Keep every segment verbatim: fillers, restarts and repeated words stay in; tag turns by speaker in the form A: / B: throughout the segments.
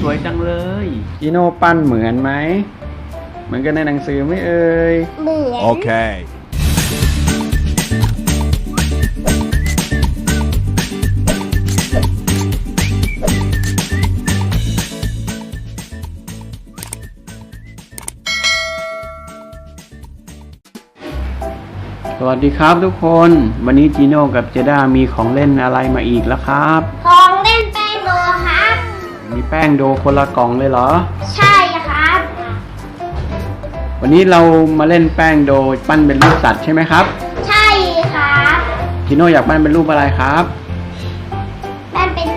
A: วยจังเลยจีโน่ปั้นเหมือนไหมเหมือนกันในหนังสือไหมเอ่ย
B: เหมือน
C: โอเค
A: สวัสดีครับทุกคนวันนี้จีโน่กับเจด้ามีของเล่นอะไรมาอีกแล้วครับ
B: ของเล่นแป้งโดครับ
A: มีแป้งโดคนละกล่องเลยเหรอ
B: ใช่ครับ
A: วันนี้เรามาเล่นแป้งโดปั้นเป็นรูปสัตว์ใช่ไหมครับ
B: ใช่ครับ
A: จีโน่อยากปั้นเป็นรูปอะไรครับ
B: ปั้นเป็น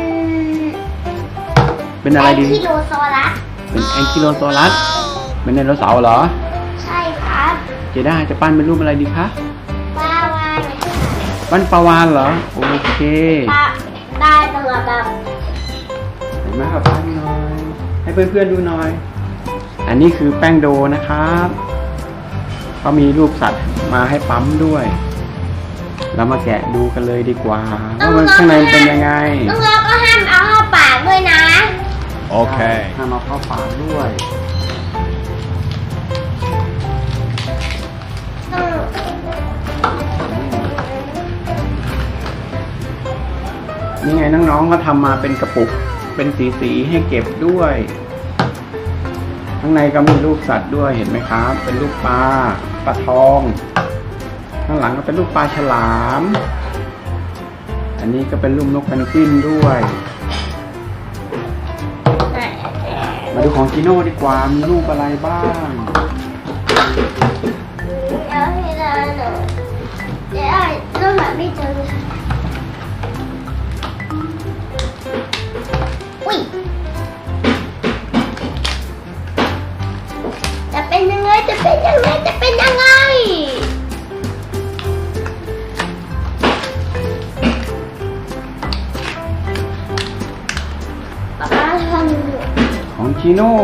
A: เป็นอะไรดี
B: แองคิโลซอรัส
A: เป็นแองคิโลซอรัสเป็นไดโนเสาร์เหรอ
B: ใช่ครับ
A: เจด้าจะปั้นเป็นรูปอะไรดีคะ
B: ปลาวาฬ
A: ปั้นปลาวาฬเหรอโอเค
B: ปลาได้ตัวแบบ
A: เห็นไหมครับปั้นหน่อยให้เพื่อนๆดูหน่อยอันนี้คือแป้งโดนะครับเขามีรูปสัตว์มาให้ปั๊มด้วยเรามาแกะดูกันเลยดีกว่าว่ามันข้างในเป็นยังไง
B: น้องๆก็ห้ามเอาเข้าปากด้วยนะ
C: โอเค
A: ห้ามเอาเข้าปากด้วยนี่ไงน้องๆก็ทำมาเป็นกระปุกเป็นสีๆให้เก็บด้วยข้างในก็มีรูปสัตว์ด้วยเห็นไหมครับเป็นรูปปลาปลาทองข้างหลังก็เป็นรูปปลาฉลามอันนี้ก็เป็นรูปนกเพนกวินด้วยมาดูของจีโน่ดีกว่ามีรูปอะไรบ้าง
B: เดี๋ยวให้เราเดี๋ยวเราหาไม่เจออุ้ยจะเป็นยังไงจะเป็นยังไงจะเป็นยังไงป๊าป๊าทำ
A: ของจีโน่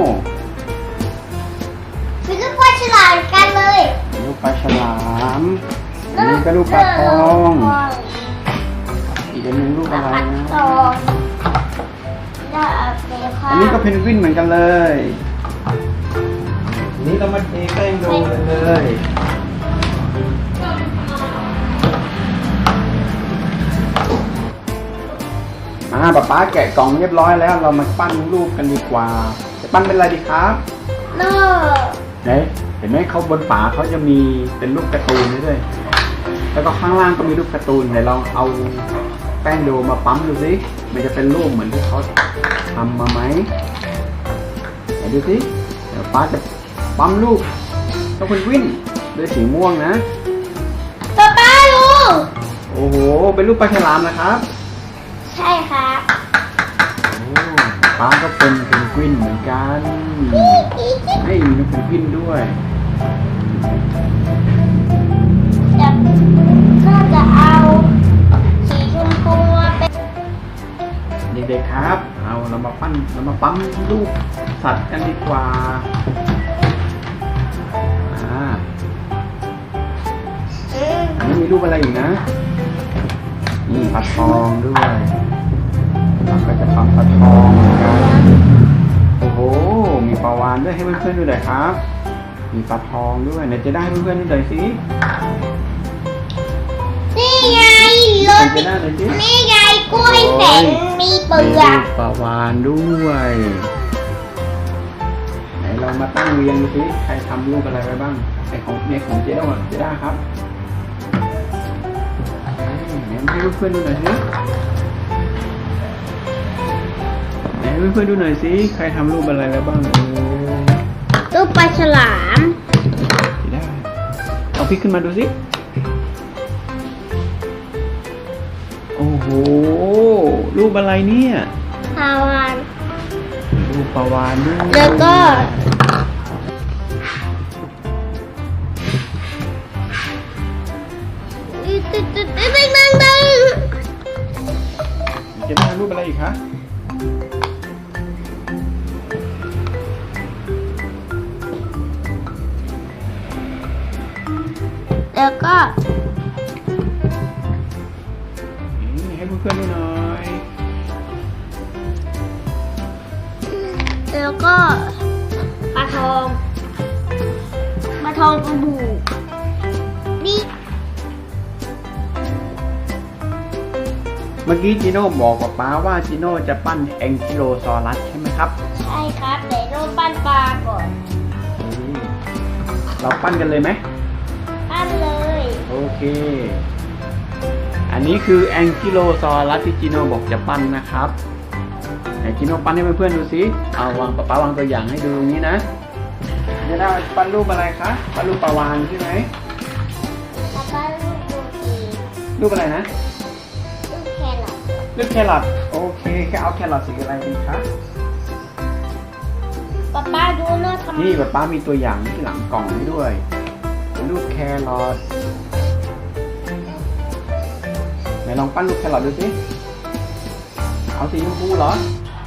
B: คือลูกปลาฉลามกันเลย
A: รูปปลาฉลามอันนี้ก็รูปปลาทองอีกอันนึงรูปอะไรนะอันนี้ก็เพนกวินเหมือนกันเลยอันนี้เรามาเทแป้งโดเลยอ่าป๊าป๊าแกะกล่องเรียบร้อยแล้วเรามาปั้นรูปกันดีกว่าจะปั้นเป็นอะไรดีครับ
B: โน่
A: ไหนเห็นไหมเขาบนฝาเขาจะมีเป็นรูปการ์ตูนด้วยแล้วก็ข้างล่างก็มีรูปการ์ตูนไหนลองเอาแป้งโดมาปั๊มดูสิมันจะเป็นรูปเหมือนที่เขาทำมาไหมไหนดูสิเดี๋ยวป๊าจะปั๊มรูปต้องเป็นวิ่งด้วยสีม่วงนะ
B: ป๊าป๊าดู
A: โอ้โหเป็นรูปปลาฉลามนะครับ
B: ใช่ครับ
A: โอ้ป๊าก็เป็นเพนกวินเหมือนกันให้มีนกเพนกวินด้วย
B: จะก็จะเอาสีชมพูเป็น
A: เด็กๆครับเอาเรามาปั้นเรามาปั๊มรูปสัตว์กันดีกว่าอ่าอันนี้มีรูปอะไรอีกนะนี่ปลาทองด้วยเราก็จะปั๊มปลาทองเหมือนกันโอ้โหมีปลาวาฬด้วยให้เพื่อนๆดูหน่อยครับมีปลาทองด้วยไหนจะได้ให้เพื่อนๆดูหน่อยสิ
B: นี่ไงรถนี่ไงกล้วยแสนมีเปลือก
A: ปลาวาฬด้วยไหนเรามาตั้งเรียงดูสิใครทำรูปอะไรไว้บ้างไอของเน็กของเจ๊ด้าเจ๊ด้าครับไหนให้เพื่อนๆดูหน่อยสิไหนให้เพื่อนๆดูหน่อยสิใครทำรูปอะไรไว้บ้าง
B: รูปปลาฉลาม
A: เจ๊ด้าเอาพลิกขึ้นมาดูสิโอ้โหรูปอะไรเนี่ย
B: ปลาวาฬ
A: รูปปลาวาฬด้วย
B: แล้วก็ตึ๊ดตึ๊ดตึ๊ดตึ๊ดตึ๊ดตึ๊ด
A: จะได้รูปอะไรอีกคะ
B: แล้วก็
A: ให้เพื่อนๆดูหน่อย
B: แล้วก็ปลาทองปลาทองกระบูนี่
A: เมื่อกี้จิโน่บอกกับป้าว่าจิโน่จะปั้นแองกิโลซอรัสใช่ไหมครับ
B: ใช่ครับเดี๋ยวโน้ตปั้นปลาก่อน
A: เราปั้นกันเลยไหม
B: ปั้นเลย
A: โอเค อันนี้คือแองกิโลซอรัสที่จิโน่บอกจะปั้นนะครับไหนจิโน่ปั้นให้เพื่อนๆดูสิเอาวางป้าวางตัวอย่างให้ดูตรงนี้นะจะได้ปั้นรูปอะไรคะปั้นรูปปลาวาฬใช่ไหม
B: แล้วก็ลูกดูดี
A: รูปอะไรนะ
B: ลูกแครอท
A: รูปแครอทโอเคแค่เอาแครอทสีอะไรดีคะ
B: ป๊าป้าดูโน้ตทำ
A: นี่ป้ามีตัวอย่างที่หลังกล่องให้ด้วยเป็นรูปแครอทไหนลองปั้นรูปแครอทดูสิเอาสีชมพูเหรอ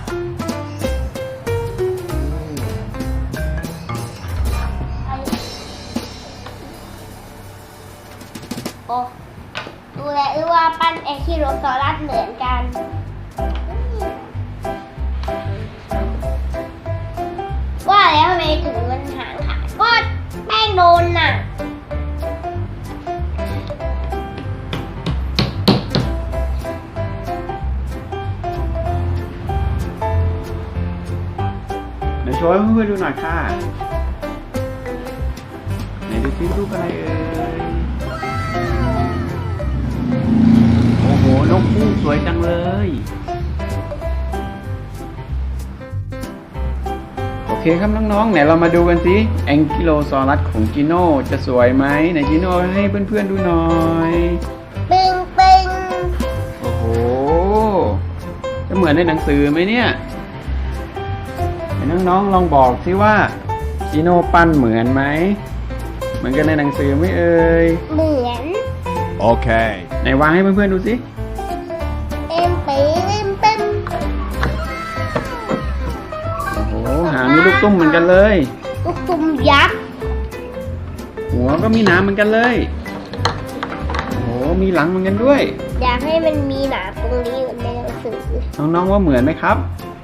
B: โอ้ดูแลหรือว่าปั้นแองคิโลซอรัสเหมือนกัน ว่าแล้วทำไมถึงมันหางขาดก็แป้งโดนน่ะ
A: เดี๋ยวโชว์ให้เพื่อนๆดูหน่อยค่ะไหนดูซิรูปอะไรเอ่ยโอ้โหนกคู่สวยจังเลยโอเคครับน้องๆไหนเรามาดูกันสิแองกิโลซอรัสของจิโน่จะสวยไหมไหนจิโน่ให้เพื่อนๆดูหน่อย
B: ปิงปิง
A: โอ้โหจะเหมือนในหนังสือไหมเนี่ยไหนน้องๆลองบอกสิว่าจิโน่ปั้นเหมือนไหมเหมือนกันในหนังสือไหมเอ่ย
B: เหมือน
C: Okay.
A: ไหนวางให้เพื่อนๆดูสิ
B: เอ็มปีเอ็มเป็น
A: โอ้โหหางมีลูกตุ้มเหมือนกันเลย
B: ลูกตุ่มยักษ์
A: หัวก็มีหนามเหมือนกันเลยโอ้โหมีหลังเหมือนกันด้วย
B: อยากให้มันมีหนามตรงนี้เหมือนในหนังสือ
A: น้องๆว่าเหมือนไหมครับ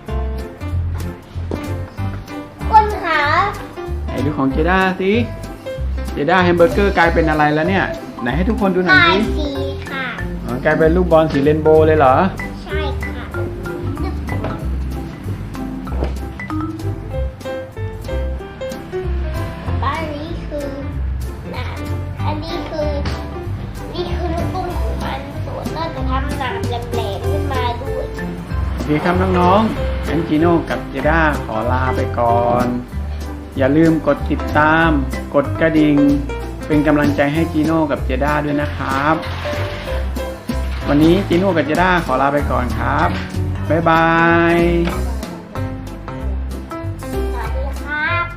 B: คนขา
A: ไหนดูของเจด้าสิเจด้าแฮมเบอร์เกอร์กลายเป็นอะไรแล้วเนี่ยไหนให้ทุกคนดูหน่อย
B: ลาย
A: สิ
B: สีค่ะ
A: อ๋อกลายเป็นลูกบอลสีเรนโบว์เลยเหรอ
B: ใช่ค่ะบ้านนี้คือหนามอันนี้คือนี่คือลูกตุ้มของมันส่วนน่าจะทำหนามแหลมๆขึ้นมาด้วย
A: โอเคครับน้องๆงั้นจิโน่กับเจด้าขอลาไปก่อน อย่าลืมกดติดตาม กดกระดิ่ง เป็นกำลังใจให้จิโน่กับเจด้าด้วยนะครับ วันนี้จิโน่กับเจด้าขอลาไปก่อนครับ บ๊ายบาย